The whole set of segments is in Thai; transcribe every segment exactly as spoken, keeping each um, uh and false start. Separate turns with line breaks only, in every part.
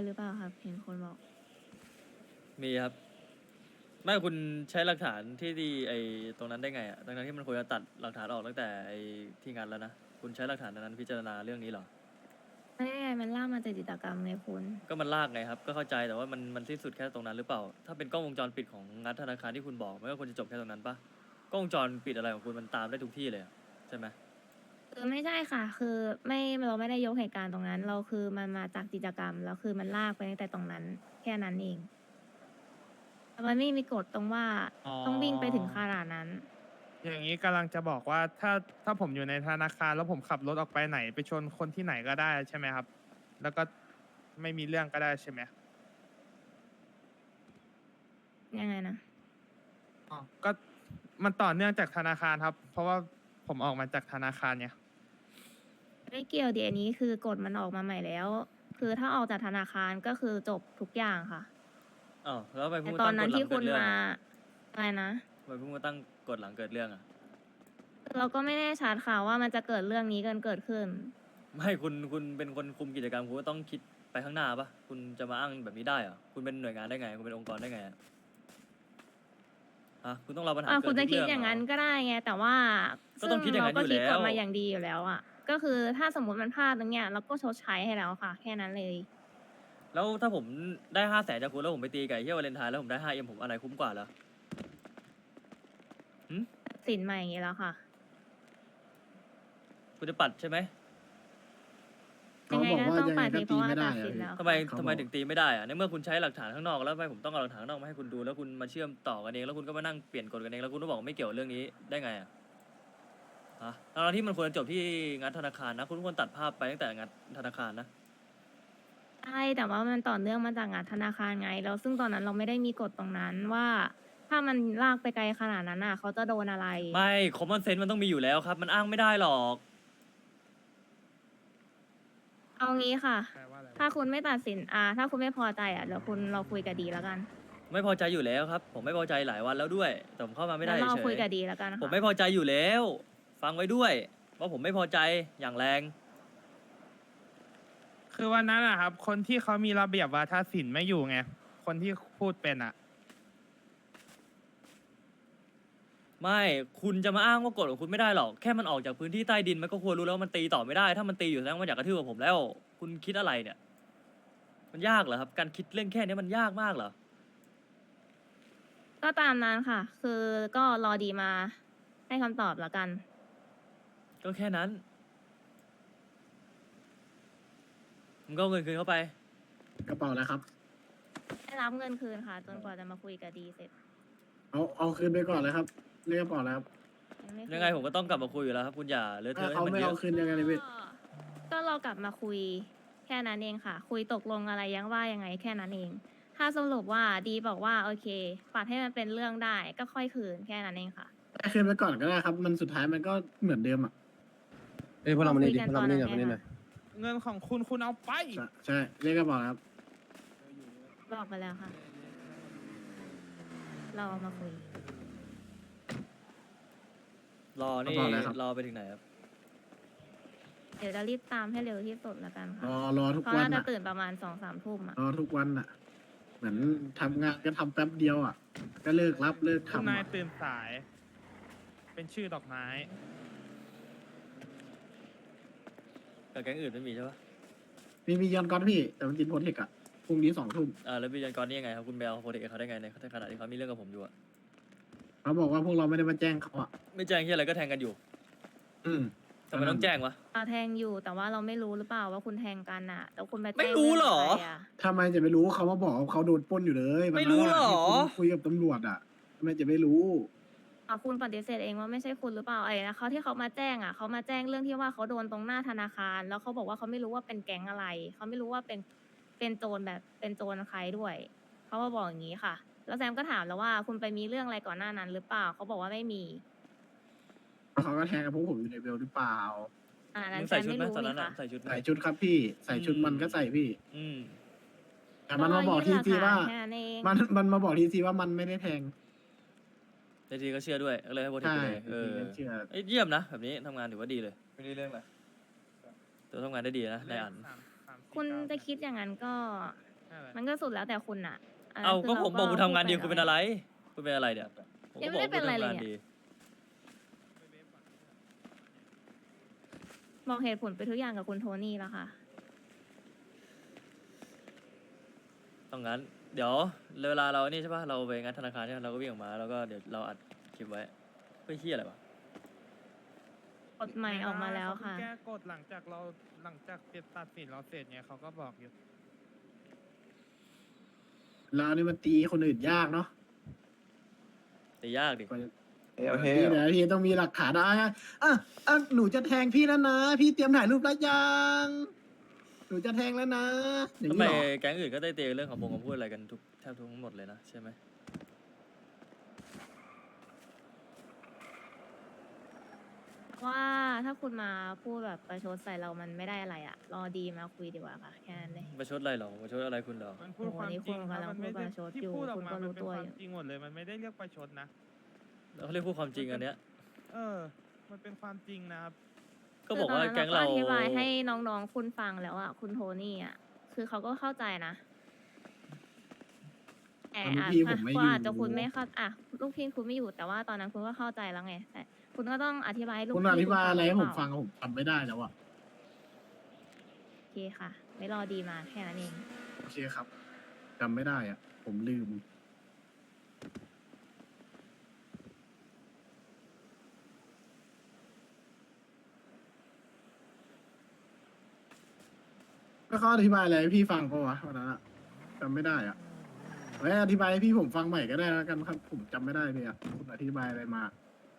หรือเปล่าครับเห็นคนบอก
มีครับไม่คุณใช้หลักฐานที่ดีไอ้ตรงนั้นได้ไงอ่ะตรงนั้นที่มันควรจะตัดหลักฐานออกตั้งแต่ไอ้ที่งานแล้วนะคุณใช้หลักฐานนั้นพิจารณาเรื่องนี้เหรอ
ไม่ได้ไงมันล่ากมาจากจิตรกรรมไงคุณ
ก็มันลากไงครับก็เข้าใจแต่ว่ามันมันสิ้นสุดแค่ตรงนั้นหรือเปล่าถ้าเป็นกล้องวงจรปิดของงัดธนาคารที่คุณบอกมันก็ควรจะจบแค่ตรงนั้นปะกล้องวงจรปิดอะไรของคุณมันตามได้ทุกที่เลยอะใช่ไหม
คือไม่ใช่ค่ะ คือไม่เราไม่ได้ยกเหตุการณ์ตรงนั้น เราคือมันมาจากกิจกรรมแล้วคือมันลากไปตั้งแต่ตรงนั้น แค่นั้นเองแต่มันไม่มีกฎตรงว่า
อ๋อ
ต้องวิ่งไปถึงขนาดนั้น
อย่างนี้กำลังจะบอกว่าถ้าถ้าผมอยู่ในธนาคารแล้วผมขับรถออกไปไหนไปชนคนที่ไหนก็ได้ใช่ไหมครับ แล้วก็ไม่มีเรื่องก็ได้ใช่ไหม
ยังไงนะ
อ๋อก็มันต่อเนื่องจากธนาคารครับ เพราะว่าผมออกมาจากธนาคารเนี่ย
ไม่เกี่ยวดีอันนี้คือกฎมันออกมาใหม่แล้ว คือถ้าออกจากธนาคารก็คือจบทุกอย่างค่ะ
อ้าวแล้วทำไปเพิ่
แต่
ง
ต
มา
อน
ตั้งก
นั้น
ฎหลั
ที่
ง
คุ
เกิด
ณ
เรื่อง
มา
อะ
อะไรนะ
ทำไมเพิ่งมาตั้งกฎหลังเกิดเรื่องอ่ะ
เราก็ไม่แน่ชัดค่ะว่ามันจะเกิดเรื่องนี้กันเกิดขึ้น
ไม่คุณคุณเป็นคนคุมกิจกรรมคุณก็ต้องคิดไปข้างหน้าปะคุณจะมาอ้างแบบนี้ได้เหรอคุณเป็นหน่วยงานได้ไงคุณเป็นองค์กรได้ไงอะฮะคุณต้องรับปัญหา
อ่า
เกิ
คุ
ด
ณ
ทุ
จะ
ก
คิด
เรื่อง
อย่าง
เหร
นั้
อน
ก็ได้ไง แต่ว่า
ก็ต้องคิดอย่างนั้น
ซึ่
อยู่
เราก็คิดกฎ
แล้ว
มาอย่างดีอยู่แล้วอ่ะ ก็คือถ้าสมมติมันพลาดตรงเนี้ยเราก็ชดใช้ให้แล้วค่ะ แค่นั้นเลย
แล้วถ้าผมได้ห้าแสนจากคุณแล้วผมไปตีไก่เที่ยววาเลนไทน์แล้วผมได้ห้าเอ็มผมอันไหนคุ้มกว่าเหรอ
สินใหม่อย่างนี้แล้วค่ะ
คุณจะปัดใช่ไหม
ยังไง
เขาบอก
ก็
ว่า
ต้อง
ยังไง
ปฏิ
ก็
เพราะว่า
ตีไม่ได้
ตัดสิน
อะ
แล้ว
ทำไม
เขา
ทำไม
บอก
ถึงตีไม่ได้อะในเมื่อคุณใช้หลักฐานข้างนอกแล้วทำไมผมต้องเอาหลักฐานข้างนอกมาให้คุณดูแล้วคุณมาเชื่อมต่อกันเองแล้วคุณก็มานั่งเปลี่ยนกฎกันเองแล้วคุณก็บอกว่าไม่เกี่ยวเรื่องนี้ได้ไงอะฮะตอนที่มันควรจะจบที่งัดธนาคารนะ คุณควรตัดภาพไปตั้งแต่งัดธนาคารนะ
ใช่แต่ว่ามันต่อเนื่องมาจากงานธนาคารไงแล้วซึ่งตอนนั้นเราไม่ได้มีกฎตรงนั้นว่า ถ้ามันลากไปไกลขนาดนั้นอ่ะ เขาจะโดนอะไร
ไม่คอมมอนเซนส์มันต้องมีอยู่แล้วครับ มันอ้างไม่ได้หรอก
เอางี้ค่ะ
แปลว่าอะไรวะ
ถ้าคุณไม่ตัดสินอ่าถ้าคุณไม่พอใจอ่ะเดี๋ยวคุณเราคุยกับดีแล้วกัน
ไม่พอใจอยู่แล้วครับ ผมไม่พอใจหลายวันแล้วด้วยแต่ผมเข้ามาไม่ได้
แล้วเรา
เฉ
คุย
ย
กับดีแล้วกันค่ะ
ผมไม่พอใจอยู่แล้ว ฟังไว้ด้วยว่าผมไม่พอใจอย่างแรง
คือวันนั้นอะครับ คนที่เขามีระเบียบวาทศิลป์ไม่อยู่ไง คนที่พูดเป็นอะ
ไม่คุณจะมาอ้างว่ากฎของคุณไม่ได้หรอกแค่มันออกจากพื้นที่ใต้ดินมันก็ควรรู้แล้วว่ามันตีต่อไม่ได้ ถ้ามันตีอยู่แสดงว่ามันอยากกระทืบกับผมแล้ว คุณคิดอะไรเนี่ย มันยากเหรอครับ การคิดเรื่องแค่นี้มันยากมากเหรอ
ก็ตามนั้นค่ะ คือก็รอดีมาให้คำตอบแล้วกัน
ก็แค่นั้นมึงก็เอาเงินคืนเข้าไป
กระเป๋าแล้วครับ
ได้รับเงินคืนค่ะ จนกว่าจะมาคุยกับดีเสร็จ
เอาเอาคืนไปก่อนเลยครับเรียกกระเป๋าแล้วครับ
ม่คุ
ยังไงผมก็ต้องกลับมาคุยอยู่แล้วครับ คุณอย่าเลอะเท
ถ้า
อะ
เขา
ให้มัน
ไม่
เย
เอา
อะ
คืนยังไงเลยพี่
ก็ก็เรากลับมาคุยแค่นั้นเองค่ะ คุยตกลงอะไรยังว่ายังไงแค่นั้นเอง ถ้าสรุปว่าดีบอกว่าโอเคปัดให้มันเป็นเรื่องได้ก็ค่อยคืนแค่นั้นเองค่ะ
ให้คืนไปก่อนก็ได้ครับ มันสุดท้ายมันก็เหมือนเดิมอ่ะ
เอ้ยพวกเรามานี่ดิ
คุยกัน
พวกเรามานี่หน่อย
ตอน
มา
นั้น
นี่หน่อย
เงินของคุณคุณเอาไป
ใช่ใช่เรียกกระเป๋าแล้วครับ
บอกไปแล้วค่ะ เราเอามาคุย
รอนี่
กระเป๋าแล้วครับ
รอไปถึงไหนครับ
เดี๋ยวจะรีบตามให้เร็วที่สุดแล้วกัน
ร
ค่ะ
อรอทุก
เขา
วัน
น่าจะ
อ่ะ
ตื่นประมาณสองสามทุ่มอ่ะ
รอทุกวันอ่ะ เหมือนทำงานก็ทำแป๊บเดียวอ่ะ ก็เลิกรับเลิก
คุณ
ทำ
นาย
อะ
ตื่นสาย เป็นชื่อดอกไม้
กับแก๊งอื่นไม่มีใช่ปะ
มีมียอนก้อนพี่ แต่มันกินโพเทคอ่ะพรุ่งนี้สองทุ่ม
อ่าแล้วบิลยันกรนี่ยังไงครับคุณไปเอาโปรเทคกับเขาได้ไงในขณะที่เขามีเรื่องกับผมอยู่อะ
เขาบอกว่าพวกเราไม่ได้มาแจ้งเขาอ่ะ
ไม่แจ้งที่อะไรก็แทงกันอยู่
อืม
ทำไมต้องแจ้งวะ
เราแทงอยู่แต่ว่าเราไม่รู้หรือเปล่าว่าคุณแทงกันอ่ะ แต่คุณไปแจ้ง
ไม่รู้เหรอ
เงะไะ
ทำไมจะไม่รู้เขามาบอกว่าเขาโดนปล้นอยู่เลยวันนั้น
ไม่รู้เหรอ
ที่คุณคุยกับตำรวจอ่ะทำไมจะไม่รู้
อ่ะคุณปฏิเสธเองว่าไม่ใช่คุณหรือเปล่าไอ้นะเขาที่เขามาแจ้งอ่ะเขามาแจ้งเรื่องที่ว่าเขาโดนตรงหน้าธนาคาร แล้วเขาบอกว่าเขาไม่รู้ว่าเป็นแก๊งอะไรเขาไม่รู้ว่าเป็นเป็นโจรแบบเป็นโจรใครด้วยเขามาบอกอย่างนี้ค่ะ แล้วแซมก็ถามแล้วว่าคุณไปมีเรื่องอะไรก่อนหน้านั้นหรือเปล่าเขาบอกว่าไม่มี
เขาก็แทงกับพวกผมอยู่ในเบลหรือเปล่า
อ่า
มึ
นั้น
ง
แซ
ใส่
ม
ชุด
ไม่
ไหม
รู้
ตอนนั้
นี่
นอะ
ค่ะ
ใส่ชุดไหม
ใส่ชุดครับพี่ ใส่ชุด
อืม
มันก็ใส่พี่
อืม
แต่มันมาบอกทีซีว่า
แค่นั้นเอง
มันมันมาบอกทีซีว่ามันไม่ได้แทง
ในทีก็เชื่อด้วยก็เลยให้โปรเทค
ใช่
ไปเลยเออ
ทีเชื่อ
เอ้ยเยี่ยมนะแบบนี้ทำงานถือว่าดีเลย
ไม่ได้เรื่องอะไร
ตัวทำงานได้ดีนะในอัน
สามสามสี่
คุณ
เก้า
จะคิดอย่างนั้นก็
ใช่เลย
มันก็สุดแล้วแต่คุณอะนนั้น
เอา
คื
ก็ผมบอกคุณทำงานดี
พู
คุณเป็นอะไร คุณเป็นอะไรเนี่ยผม
ยั
ก็
ง
บ
ไม่
อก
ได้
ว่า
เป็น
คุณ
อะไร
ทำ
เลย
งาน
เนี่ย
ดี
บอกเหตุผลไปทุกอย่างกับคุณโทนี่แล้วค่ะ
ต้องงั้น เดี๋ยวเวลาเรานี่ใช่ป่ะ เราไปงานธนาคารใช่ไหมเราก็วิ่งออกมา แล้วก็เดี๋ยวเราอัดคลิปไว้ไม่เฮี้ยอะไรวะ
กฎใหม่ออกมาแล้วค่ะ
เขาเพิ่งแก้กฎหลังจากเราหลังจากเสร็จตัดสินเราเสร็จไงเขาก็บอกอยู่
เรานี่มันตีคนอื่นยากเนาะ
แต่ยากดิ
กว่าจะ
เอ้ยโอเค
พี่เดี๋ยวพี่ต้องมีหลักฐานนะอ่ะอ่ะอ่ะหนูจะแทงพี่แล้วนะ พี่เตรียมถ่ายรูปแล้วยังหนูจะแทงแล้วนะอย่าง
ทำ
นี้
ไม
เหรอ
แก๊งอื่นก็ได้เตะเรื่องของบงคำพูดอะไรกันทุกแทบทุกหมดเลยนะใช่ไหม
ว่าถ้าคุณมาพูดแบบประชดใส่เรามันไม่ได้อะไรอะรอดีมาคุยดีกว่าค่ะ แค่นั้นเลย
ประชดอะไรหรอประชดอะไรคุณหรอ
มันพูด
โอ้โห
ความ
นี่
จริง
คุณ
ครับ
กำลัง
มันไม่ได้
พูดประชด
ที่
อยู่
พูดออก
คุณ
มา
ก็
มัน
รู้
เป็น
ตัว
ควา
อ
ม
ยู่
จริงหมดเลย มันไม่ได้เรียกประชดนะ
เขาเรียกพูดความจริงอันเนี้ย
เออ มันเป็นความจริงนะครับ
ก็บอกว่า
คืตนนั้น
แก๊งเรา
อธิบายให้น้องๆคุณฟังแล้วอะคุณโทนี่อะคือเขาก็เข้าใจนะแต่
ตอนนี้
อาจ
พี่ผมไม่
ก็
อยู่
อาจจะคุณไม่เข้าอ่ะลูกพี่คุณไม่อยู่แต่ว่าตอนนั้นคุณก็เข้าใจแล้วไงแต่คุณก็ต้องอธิบายให้ลูก
คุณ
พี่
อธิบายอะไรให้
ห
ผ
เป
ม
ล่า
ฟังผมจำไม่ได้แล้วอ่ะ
โอเคค่ะ ไม่รอดีมาแค่นั้นเอง
โอเคครับจำไม่ได้อ่ะ ผมลืม แล้วเขาอธิบายอะไรให้พี่ฟังปะวะวันนั้นอะจำไม่ได้อ่ะไว้อธิบายให้พี่ผมฟังใหม่ก็ได้แล้วกันครับ ผมจำไม่ได้เลยอ่ะคุณอธิบายอะไรมา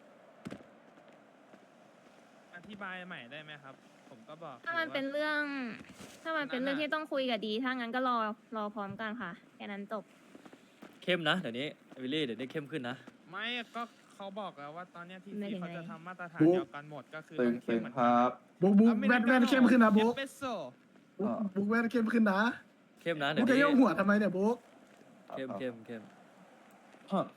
อธิบายใหม่ได้ไหมครับ ผมก็บอก
ถ้ามัน
อยู่ว่
เป็นเรื่อง ถ้ามันเป็นเรื่อง
นั้นน่ะ
ที่ต้องคุยกับดี ถ้างั้นก็รอรอพร้อมกันค่ะแค่นั้นจบ
เข้มนะเดี๋ยวนี้วิลลี่เดี๋ยวนี้เข้มขึ้นนะ
ไม่ก็เขาบอกแล้วว่าตอนเนี้ยที่
ไม่
ที่
ถึง
เขาจะ
ไง
ทำมาตรฐาน
บุ๊ค
เดียวกันหมดก็คือ
ตึง
ต้องเข้
ตึ
ม
ง
เหมือน
ค
กัน
รับ
บุ๊กบุ๊กแวดแวดเข้มขึ้นนะบุ๊ก
เอสเปรสโซ่
บุ๊กบุ๊กแวดเข้มขึ้นนะ
เข้มนะเดี๋
บุ๊
ย
ก
ว
จะ
นี้
โยกหัวทำไมเนี่ยบุ๊ก
เข้มเข้มเข้ม
ฮะ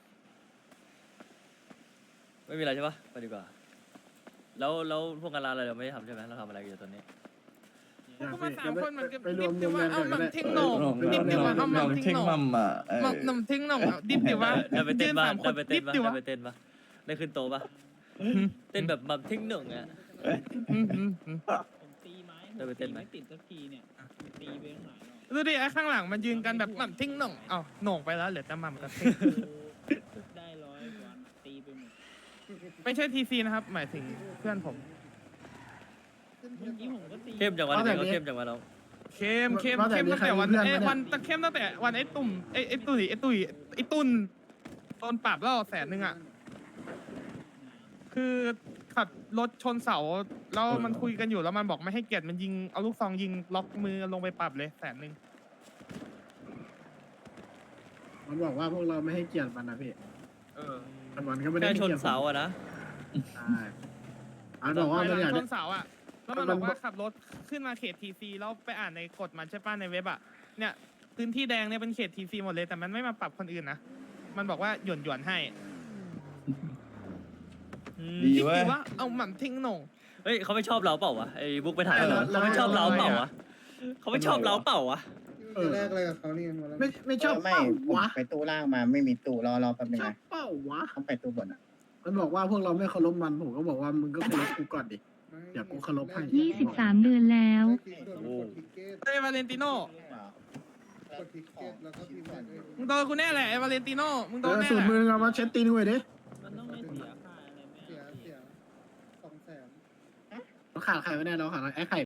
ไม่มีอะไรใช่ปะไปดีกว่า แล้วแล้วพวกงานร้านอะไรเราไม่ได้ทำใช่ไหมเราทำอะไรกันอยู่ตอนนี้
พวกมาสามคนมันก็
ไปรวม
ดิบ
ร
ดิ
วม
ว่า
กัน
เอา
ก่อนก็ได้
หม่ำเท่งโหน่ง ดิบดิว่าเอาหม่ำเท่ง
เท่ง
โหน่ง
มัมอ่ะเออ
หม่ำหม่ำเท่งโหน่งเอาดิบดิว่า
ได้ไปเต้นบ้าง
สามค
ได้
น
ไปเต้
ดิ
น
บ
บ้าง
ดิ
ได้
วะ
ไปเต้นบ้างได้ขึ้นโตะปะเต้นแบบแบบทิ้งหนึ่งอ่ะ
อืมอืมอืม
ผมตีไม้
ได้ไปเต้นไหม
ไม่ติดสักทีเนี่ยตีไปตั้งหลายรอบ
ดูดิไอ้ข้างหลังมันยืนกันแบบหม่ำเท่งโหน่งเอ้าโหน่งไปแล้วเหลือแต่หม่ำกับเท่ง
ได้ร้อยกว่าตีไปหมด
ไม่ใช่ทีซีนะครับ หมายถึงเพื่อนผม
เมื่อกี้ผมก็ตี
เข้มจังวะ
เอา
นี่
แบบ
ก็
นี้
เข้มจังวะเรา
เข้มเข้ม
ว่าแต่
เข้ม
มี
ตั้ง
ใคร
แต่วัน
มีเพื่อน
เอ้ย
ไหมเนี่ย
วันตะเข้มตั้งแต่วันไอ้ตุ่มไอ้ไอ้ตุ่ยไอ้ตุ่ยไอ้ตุ่นโดนปรับแล้วแสนหนึ่งอ่ะ คือขับรถชนเสาแล้วมันคุยกันอยู่แล้วมันบอกไม่ให้เกียรติมันยิงเอาลูกซองยิงล็อกมือลงไปปรับเลยแสนหนึ่ง
มันบอกว่าพวกเราไม่ให้เกียรติมันนะพี่
เออ
มันวันก็ไม่ได้
แค่
ให้
ชน
เกียรติผม
เสาอะนะ
ใช่อันบอกว่า
ไป
มัน
ห
อ
ลั
ยาก
งช
ได้
นเสาอ่ะแล้วมัน
มั
บ
น
อกว่าขับรถขึ้นมาเขตทีซีแล้วไปอ่านในกฎมันใช่ป่ะในเว็บอ่ะเนี่ยพื้นที่แดงเนี่ยเป็นเขตทีซีหมดเลยแต่มันไม่มาปรับคนอื่นนะมันบอกว่าหย่อนหย่อนๆให้
อืม
ดี
คิด
เว้ย
ดูว่าเอาหม่ำทิ้งโหน่ง
เฮ้ยเขาไม่ชอบเราเปล่าวะไอ้บุ๊กไปถ่าย
เออ
เขาไม่ชอบเราเปล่าวะเขาไม่ชอบเราเปล่าวะ
เออ
แรกอะไรกับเขานี่
ไม่ไม่ชอบ
ไม่
เป้า
ผม
วะ
ไปตู้ล่างมาไม่มีตู้รอรอแป๊บนึง
ชอบ
นะ
เป้าวะ
ต้องไปตู้บนอ่ะ
มันบอกว่าพวกเราไม่เคารพมันผมก็บอกว่ามึงก็เคารพกูก่อนดิ เดี๋ยวกูเคารพให้
ยี่สิบสามเดือนแล้ว
โอ้
เอ้ยวาเลนติโน่
กดทิกเก็ตแล้วก็พิมพ์
มึงโดนกูแน่แหละไอ้วาเลนติโน่มึงโด
เอน อ
แน่
สู
แห
ตร
ละ
มือเอามาเช็ดตีนกูหน่อยดิ
มันต้องไม่เสียค่าอะไรไหม
เสียเสียสองแสน
เราขาดใครไม่ได้เราขาดไอ้ไข่